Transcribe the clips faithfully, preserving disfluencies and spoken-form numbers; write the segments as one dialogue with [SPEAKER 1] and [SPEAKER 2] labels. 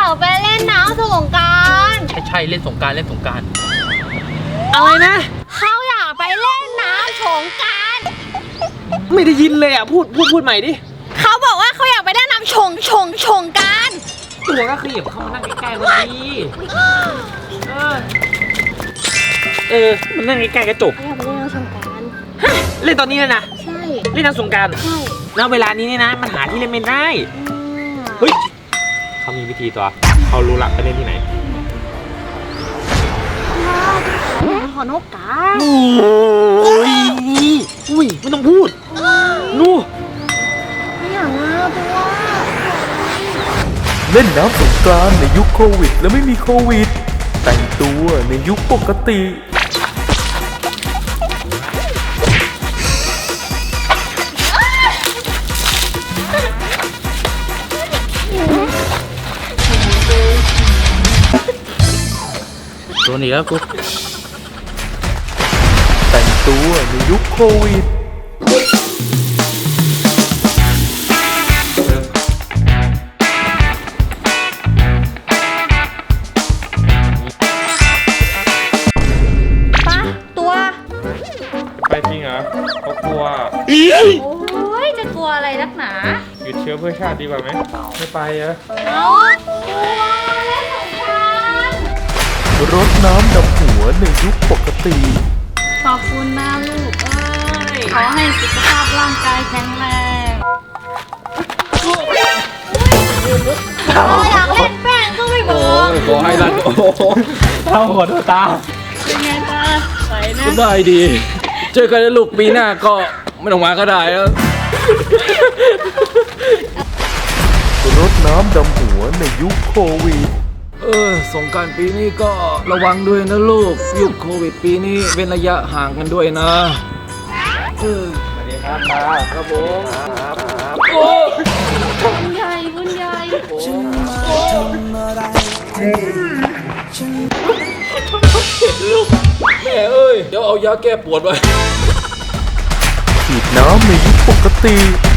[SPEAKER 1] ากไปเล่นน้ำสงกรานต์
[SPEAKER 2] ใช่ใช่เล่นสงกรานต์เล่นสงกรานต์
[SPEAKER 3] อะไรนะ
[SPEAKER 1] เขาอยากไปเล่นน้ำสงกรานต์
[SPEAKER 3] ไม่ได้ยินเลยอ่ะพูดพูดพูดใหม่ดิ
[SPEAKER 1] เขาบอกว่าเขาอยากไปเล่นน้ำชงชงชงกรานต์
[SPEAKER 3] ตัวก็ขยับเข้ามานั่งใกล้ๆวันนี้เออเออมันนั่งใกล้ๆกระจก
[SPEAKER 1] เขาอยากไปเล่นน้ำสงกรานต์
[SPEAKER 3] ฮะเล่นตอนนี้เลยนะ
[SPEAKER 1] ใช่
[SPEAKER 3] เล่นน้ำสงกรานต์
[SPEAKER 1] ใช่
[SPEAKER 3] แล้วเวลานี้นี่นะมันหาที่เล่นไม่ได้เฮ้ยเขามีวิธีตัวเขารู้ละไปเล่นที่ไหน
[SPEAKER 1] ขอนกกา
[SPEAKER 3] โอ้ยอุ้ยไม่ต้องพูดนู่
[SPEAKER 1] ไม่อยากนะตัว
[SPEAKER 4] เล่นน้ำสงกรานต์ในยุคโควิดและไม่มีโควิดแต่งตัวในยุคปกติ
[SPEAKER 2] ตัวนี้แล้วกู
[SPEAKER 4] แต่งตัวในยุคโควิด
[SPEAKER 1] ปะตัว
[SPEAKER 5] ไปจริงเหรอเขากลัว
[SPEAKER 1] โอ้ยจะกลัวอะไรนักหนา
[SPEAKER 5] หยุดเชื้อเพื่อชาติดีกว่าไหมไม่ไปเหรอ
[SPEAKER 1] เอากลัวเล่นสงกรานต์
[SPEAKER 4] รดน้ำดำหัวในยุคปกติ
[SPEAKER 1] ขอบคุณนะลูกเอ้ยขอให้สุขภาพร่างกายแข็งแรงเราอยากเล่นแป้งก็ไม่บอก
[SPEAKER 2] ขอให้รันโอ้เท่าหัวตา
[SPEAKER 1] เป็นไงตาไหวนะ
[SPEAKER 2] สบายดีเจอกันลูกปีหน้าก็ไม่ต้องมาก็ได้แล้ว
[SPEAKER 4] รดน้ำดำหัวในยุคโควิด
[SPEAKER 2] เออสงกรานต์ปีนี้ก็ระวังด้วยนะลูกยุคโควิดปีนี้เว้นระยะห่างกันด้วยนะเออสวัสดีครับตาครับผมโอ้
[SPEAKER 1] บุญใหญ่บุญใหญ่
[SPEAKER 2] ลูกแม่เอ้ยเดี๋ยวเอายาแก้ปวดไว้
[SPEAKER 4] ฉีดน้ำในยุคปกติ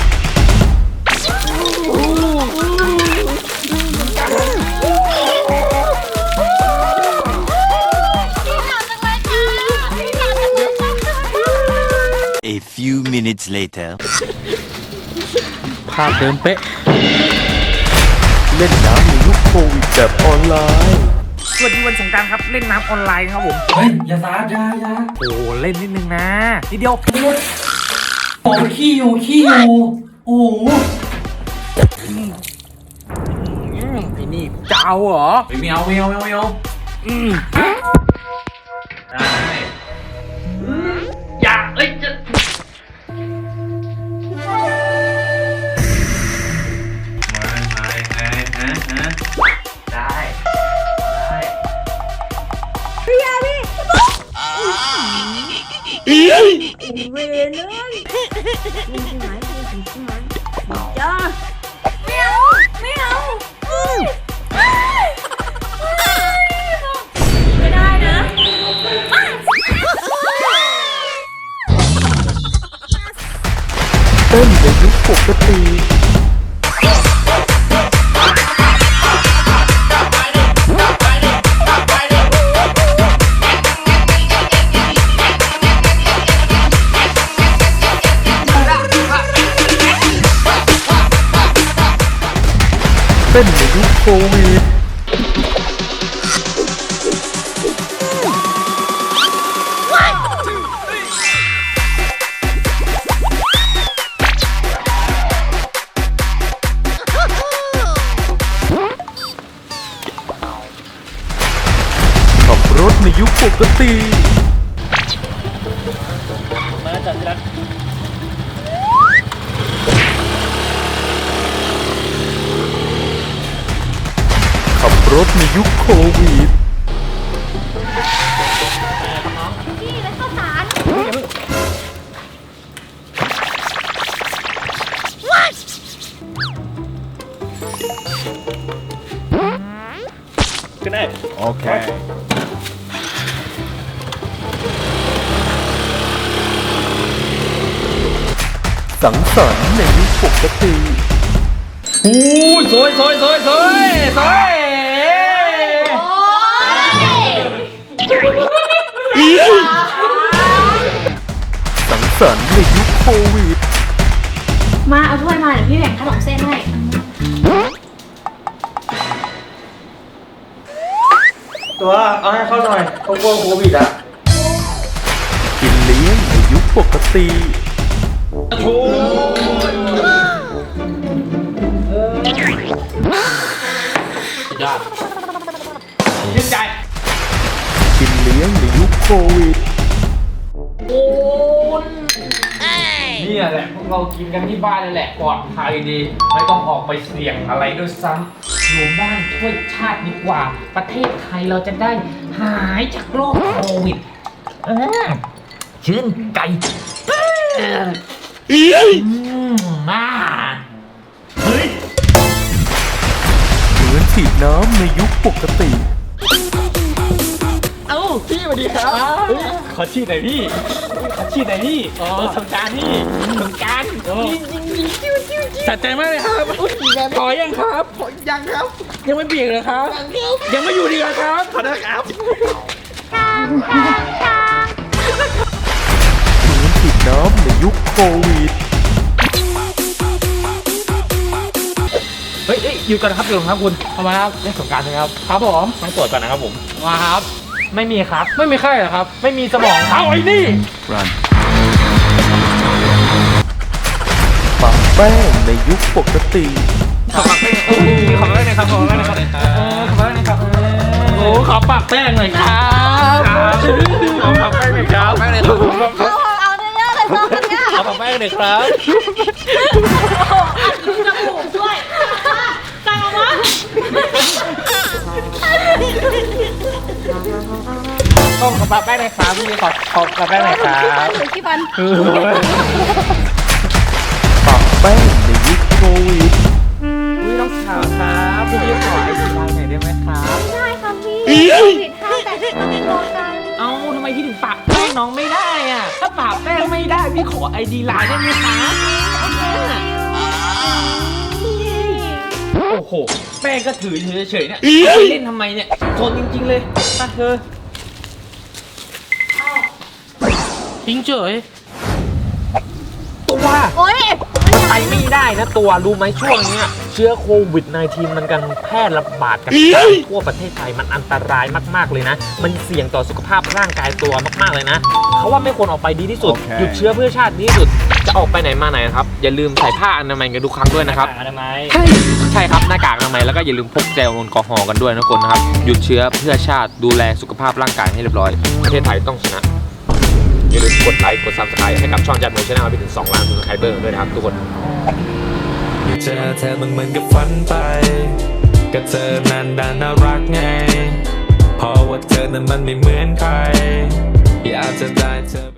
[SPEAKER 6] A few minutes later
[SPEAKER 2] ภาพเดิมเป๊ะ
[SPEAKER 4] เล่นน้ำในยุคโควิดแบบออนไลน์
[SPEAKER 3] สวัสดีวันสงกรานต์ครับเล่นน้ำออนไลน์ครับผม
[SPEAKER 2] เฮ้ยอย่าสาดอย่าอย่า
[SPEAKER 3] โอ้เล่นนิดนึงนะนิดเดียว
[SPEAKER 2] โอ้ขี้อยู่ขี้อยู่โอ้โห
[SPEAKER 3] ไอ้นี่จะเอาเหรอ
[SPEAKER 2] ไม่เอาไม่เอาไม่เอาไม่เอา
[SPEAKER 3] อืม
[SPEAKER 2] ได้อย่าเอ้ยจะมามาไงฮะฮะได้ได้
[SPEAKER 1] พี่ยาพี่เวรเลยมีที่ไหนมีที่ไหนจ้าไม่เอาไม่เอาไม่ได้นะ
[SPEAKER 4] เต้นในยุคปกติเต้นในยุคโควิดขับรถในยุคปกติ
[SPEAKER 2] มาจัดรัก
[SPEAKER 4] ขับรถในยุคโควิด
[SPEAKER 1] พี่แล้วข้าวสาร
[SPEAKER 5] ก็ได้โอเค
[SPEAKER 4] สังสรรค์ในยุคปกติ
[SPEAKER 2] โอ้ยสวยสวยสวยสวยสวย
[SPEAKER 4] สังสรรค์ในยุคโควิด
[SPEAKER 1] มาเอาถ้วยมาเดี๋ยวพี่แบ่งขนมเส้นให้
[SPEAKER 5] ตัวเอาให้เขาหน่อยเขากลัวโควิดอ่ะ
[SPEAKER 4] กินเลี้ยงในยุคปกติ
[SPEAKER 3] ยอดชื่นใจ
[SPEAKER 4] กินเลี้ยงในยุคโควิด
[SPEAKER 3] นี่แหละพวกเรากินกันที่บ้านนี่แหละปลอดภัยดี ไม่ต้องออกไปเสี่ยงอะไรด้วยซ้ำอยู่บ้านช่วยชาติดีกว่า ประเทศไทยเราจะได้หายจากโรคโควิดเออชื่นใจเอออืมอ่าเฮ้ย
[SPEAKER 4] เหมือนฉีดน้ำในยุคปกติ
[SPEAKER 3] เอ้าพี่สวัสดีครับขอฉีดหน่อยพี่ขอฉีดหน่อยพี่เออสงการพี่สงการยิงยิงยิงจิ้วจิ้วจิ้วสะใจมากเลยครับขอยังครับยังครับ ยังไม่เบี่ยงเลยครับยังไม่อยู่ดีเลยครับขอโทษครับ
[SPEAKER 4] เหมือนฉีดน้ำในยุคโควิด
[SPEAKER 3] เฮ้ยเฮ้ยอยู่ก่อนนะครับอยู่ก่อนครับคุณทำไมครับเล่นสงการใช่ไหมครับครับผมต้องตรวจก่อนนะครับผมมาครับไม่มีครับไม่มีไข้เหรอครับไม่มีสมองเอาไอ้นี่
[SPEAKER 4] รันปะแป้งในยุคปกติ
[SPEAKER 3] ขอปากแป้งโอ้โหขอปากแป้งหน่อยครับขอปากแป้งหน่อยครับเออขอปากแป้งหน่อยครับโอ้ขอปากแป้งหน่อยครับขอปากแป้งหน่อยครับแป้งหน่อยครับ
[SPEAKER 1] เอาเอาเยอะๆเลยน้องกันเนี่ย
[SPEAKER 3] ขอปากแป้งหน่อยครับ
[SPEAKER 1] จมูกด้วยสั่งออกมา
[SPEAKER 3] ต้องขอปากแป้งหน่อยครับพี่ขอขอปากแป้งหน่อยครับ
[SPEAKER 1] หรือขี้ฟัน
[SPEAKER 4] ปะแป้งในยุคโควิด
[SPEAKER 3] อุ้ยน้องสาวครับพี่ขอไอซีไลน์หน่อยได้ไหมครับ
[SPEAKER 1] ได้ค่ะพี่ผิดห้าแต่ที่ต้องโทรกัน
[SPEAKER 3] เอ้าทำไมพี่ถึงปากแป้งน้องไม่ได้อ่ะถ้าปากแป้งไม่ได้พี่ขอไอดีไลน์ได้ไหมครับโอ้โหแป้งก็ถือเฉยๆเนี่ยไปเล่นทำไมเนี่ยโซนจริงๆเลยไปเธอทิ้งเฉยตัว
[SPEAKER 1] โอ๊ย
[SPEAKER 3] มันไปไม่ได้นะตัวรู้ไหมช่วงเนี้ยเชื้อโควิด สิบเก้า มันกันแพร่ระบาดกันทั่วประเทศไทยมันอันตรายมากๆเลยนะมันเสี่ยงต่อสุขภาพร่างกายตัวมากๆเลยนะเขาว่าไม่ควรออกไปดีที่สุดหยุดเชื้อเพื่อชาติดีที่สุดจะออกไปไหนมาไหนนะครับอย่าลืมใส่ผ้าอนามัยกันทุกครั้งด้วยนะครับอนามัยใช่ใช่ครับหน้ากากอนามัยแล้วก็อย่าลืมพกเจลแอลกอฮอล์กันด้วยนะคนนะครับหยุดเชื้อเพื่อชาติดูแลสุขภาพร่างกายให้เรียบร้อยประเทศไทยต้องชนะอย่าลืมกดไลค์กด ซับสไครบ์ ให้กับช่องจัดโมชั่นแนลไปถึงสองล้านซับสไครเบอร์ด้วยนะครับทุกคน
[SPEAKER 7] เจอเธอมันเหมือนกับฝันไปกับเธอนั้นดันน่ารักไงเพราะว่าเธอนั้นมันไม่เหมือนใครอยากจะได้เธอ